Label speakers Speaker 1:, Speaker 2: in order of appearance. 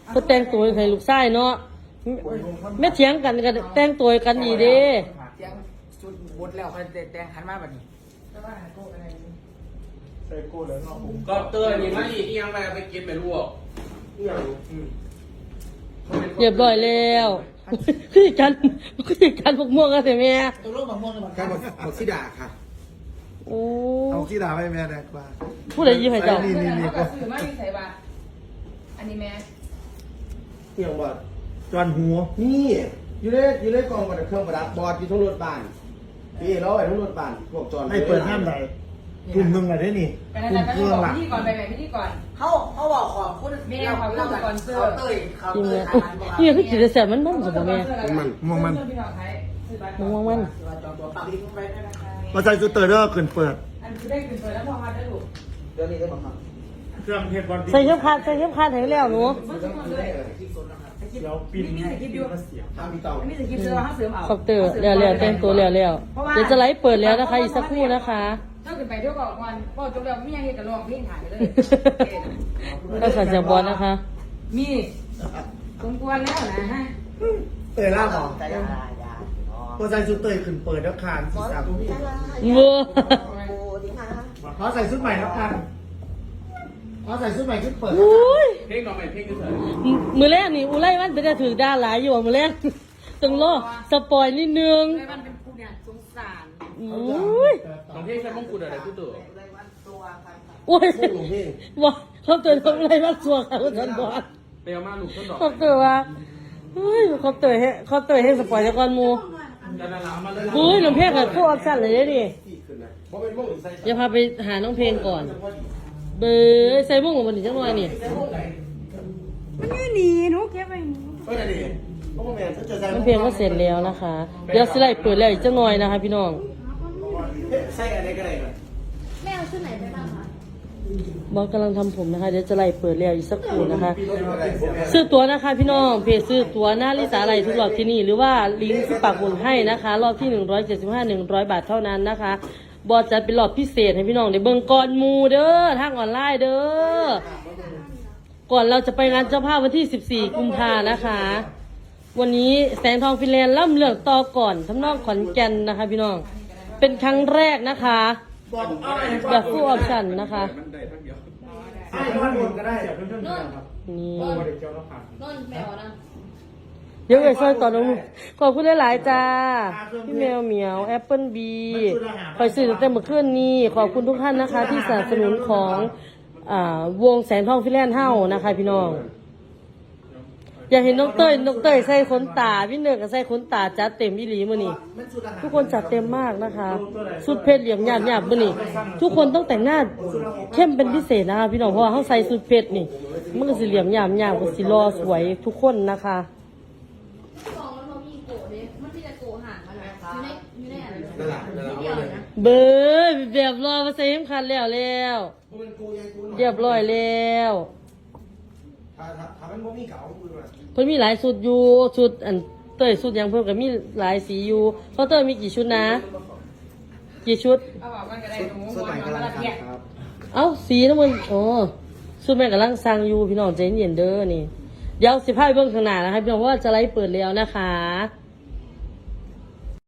Speaker 1: ก็แต่งตัวให้ลูกชายเนาะแม่เถียงกันก็แต่งตัวกันดีเด้
Speaker 2: เตียงชุดบดแล้วเขาแต่งขันมาแบบนี้แล้วว่าโก้อะไรใส่โก้แล้วเนาะผม
Speaker 3: ก็เตือนนี่มาอีกยังไปกินไปลวก
Speaker 1: เรียบร้อยแล้วคือกันพวกม่วงกันแต่แม่
Speaker 2: ตัวลูกมะม่วงเลย
Speaker 4: การบอกซิดาค่ะ
Speaker 1: โอ้
Speaker 4: เอาซิดาไปแม่แดกว่า
Speaker 1: ผู้ใดยิ้มให้เจ้า
Speaker 4: นี่
Speaker 5: เขาก็ซื้อมาที่ใส่บาอันนี้แม่
Speaker 4: เที่ยงบอดจอนหัวนี่อยู่ในกองกับเครื่องประดับบอดอยู่ทั้งรถบ้านพี่เราไอ้ทั้งรถบ้านพวกจอน
Speaker 6: ให้เปิดห้ามใดกลุ่มหนึ่งอะไรได้นี่
Speaker 5: กัน
Speaker 6: กลุ่
Speaker 5: นั้
Speaker 6: ม
Speaker 5: น
Speaker 6: เครื่องหลัก
Speaker 5: พี่ก่อนไปไหนพี่ก่อน
Speaker 2: เขาบอกขอบคุณเขาเตยเขา
Speaker 1: จริง
Speaker 2: เต
Speaker 1: เลย ย
Speaker 2: ขันบอก
Speaker 1: นี่คือกินแต่แซ่บมันสมบูรณ์แม่
Speaker 6: ม่วงมัน
Speaker 1: ม่วงมัน
Speaker 2: จองตัวปากลิ้นไปได้นะคะ
Speaker 6: มาใส่ซูเตอร์เด้อเกินเปิด
Speaker 5: อันคือได้เป็นเปิดแล้วพอมาได้ถูก
Speaker 2: เดี๋ยวนี้ได้บอกครับ
Speaker 6: เครื่องเทศบอล
Speaker 1: ใส่เข้มขัดให้แล้วหนู
Speaker 6: เดี๋ยวปินให้ปินมาเสียง
Speaker 4: ทางพี่เต่า
Speaker 5: อันนี้จะกินเสื้อห้าเสริมเอา
Speaker 1: คอปเตอร์แล้วแต่งตัวแล้วเดี๋ยวจะไลฟ์เปิดแล้วนะคะอีกสักครู่นะคะ
Speaker 5: ถ้าขึ้นไปเที่ยวก่อนพอจบแล้วไม่ยังเห็นกับลองเพลงถ่ายเลย
Speaker 1: ก็สั่จากบอลนะคะ
Speaker 5: มีสมควรแล้วนะฮะ
Speaker 6: เตยล่าบอก
Speaker 2: แต่ยา
Speaker 6: มาใส่ซูเตอร์ขึ้นเปิดแล้วคานสีสัน
Speaker 1: เวอร์
Speaker 6: ขอใส่ชุดใหม่แล้วกันขอใส่ชุดใหม่ขึ้นเปิด
Speaker 1: อุ้ย
Speaker 3: เพลงต่อไปเพลงที่เสร็จ
Speaker 1: มือแรกนี่อุไรมันเป็นจะถือด้านหลายอยู่มือแรกต้องรอสปอยนิดนึง
Speaker 5: เลยมันเป็นผู้เนี่ยสงสาร
Speaker 1: อุ้ย
Speaker 3: ของเพลงใช้มงกุฎอะไรกูตัว
Speaker 1: โอ้ย
Speaker 4: หลวงพี่
Speaker 1: บอกเขาเตือนทำอะไรบ้างสัวค่ะคุณท่านบอล
Speaker 3: เปลมาลูกต้นดอก
Speaker 1: เขาเตือนว่าเฮ้ยเขาเตือนให้สปอยจากก่อนมู
Speaker 3: จะนานามาเลย
Speaker 1: เฮ้ยน้องเพลงกับคู่ออปชั่นเลยนี่
Speaker 4: เพราะเป็นพวกใส่
Speaker 1: อย่าพาไปหาน้องเพลงก่อน เบยใส่บุ้งของมันอีกจังหน่อยนี่
Speaker 5: มันไม่หนีหนูเก็บไป
Speaker 4: เฮ้ยดิเพราะว่าแม่ถ้าจะใส่
Speaker 1: น้องเพลงก็เสร็จแล้วนะคะ เดี๋ยวสไลด์เปิดแล้วอีกจังหน่อยนะคะพี่น้อง
Speaker 4: ใส่อะไรก็ได้เลย
Speaker 7: แม่เอาชุดไหนไปบ้างคะ
Speaker 1: บอสกำลังทำผมนะคะ เดี๋ยวจะไล่เปิดแล้วอีกสักครู่นะคะ ซื้อตั๋วนะคะพี่น้องเพจซื้อตั๋วหน้าลิสาอะไรทุกรอบที่นี่หรือว่าลิงก์ที่ปักหมุดให้นะคะ รอบที่175 100 บาทเท่านั้นนะคะ บอสจัดเป็นรอบพิเศษให้พี่น้องได้เบิ่งก่อนหมูเด้อทางออนไลน์เด้อก่อนเราจะไปงานเจ้าภาพวันที่ 14 กุมภานะคะ วันนี้แสงทองฟินแลนด์ล่ำเลือกต่อก่อนทำนองขอนแก่นนะคะ พี่น้องเป็นครั้งแรกนะคะแบบฟูลออปชั่นนะคะ
Speaker 3: มันได้ทั้งเดียว
Speaker 6: ใช่ท่านบนก็ได้เดี๋ยวเพื่อนๆครับ
Speaker 1: นี่
Speaker 6: เด็กเจ้าต้องผ่าน
Speaker 7: นนแมวนะ
Speaker 1: เดี๋ยวเอ๋ยซอยต่อน้องขอบคุณหลายๆจ้าพี่แมวเหมียวแอปเปิลบีคอยซื้อตั้งแต่เมื่อคืนนี้ขอบคุณทุกท่านนะคะ ที่สนับสนุนของวงแสงทองฟิแลนด์เฮ้านะคะพี่น้อง อยากเห็นน้องเต้ยใส่ขนตาพี่เนอร์ก็ใส่ขนตาจัดเต็มอีหลีมื้อนี้ทุกคนจัดเต็มมากนะคะสุดเพชรเหลี่ยมหยาบมื้อนี้ทุกคนต้องแต่งหน้าเข้มเป็นพิเศษนะคะพี่น้องเพราะว่าเขาใส่สุดเพชรนี่มันก็สิเหลี่ยมหยาบก็สิรอสวยทุกคนนะคะ
Speaker 7: กล่องแล้วมันมีโกะเนี่ยมันมีแต่โกะห่างกันเลยอยู่ในอะไร
Speaker 4: นั่นแหละนั่นแหละ
Speaker 7: เดียวเลยนะ
Speaker 1: เบยแบบรอมาใส่เข็มขัดแล้วเรียบร้อยแล้ว
Speaker 4: ถ้ามันบ่มีเก่าคือว่า
Speaker 1: เพิ่นมีหลายชุดอยู่ชุดอันเต้ยชุดหยังเพิ่นก็มีหลายสีอยู่เพราะเต้ยมีกี่ชุดนะ กี่ชุด
Speaker 5: เอาบอกกันก็ได้หนู
Speaker 4: สมัยกำลัง
Speaker 5: ละเอียด
Speaker 4: ครับ
Speaker 1: เอ้าสีน้ำมันอ๋อชุดแม่กำลังสั่งอยู่พี่น้องใจเย็นเด้อนี่เดี๋ยวสิพาไปเบิ่งข้างหน้านะคะพี่น้องเพราะว่าจะไลฟ์เปิดแล้วนะคะ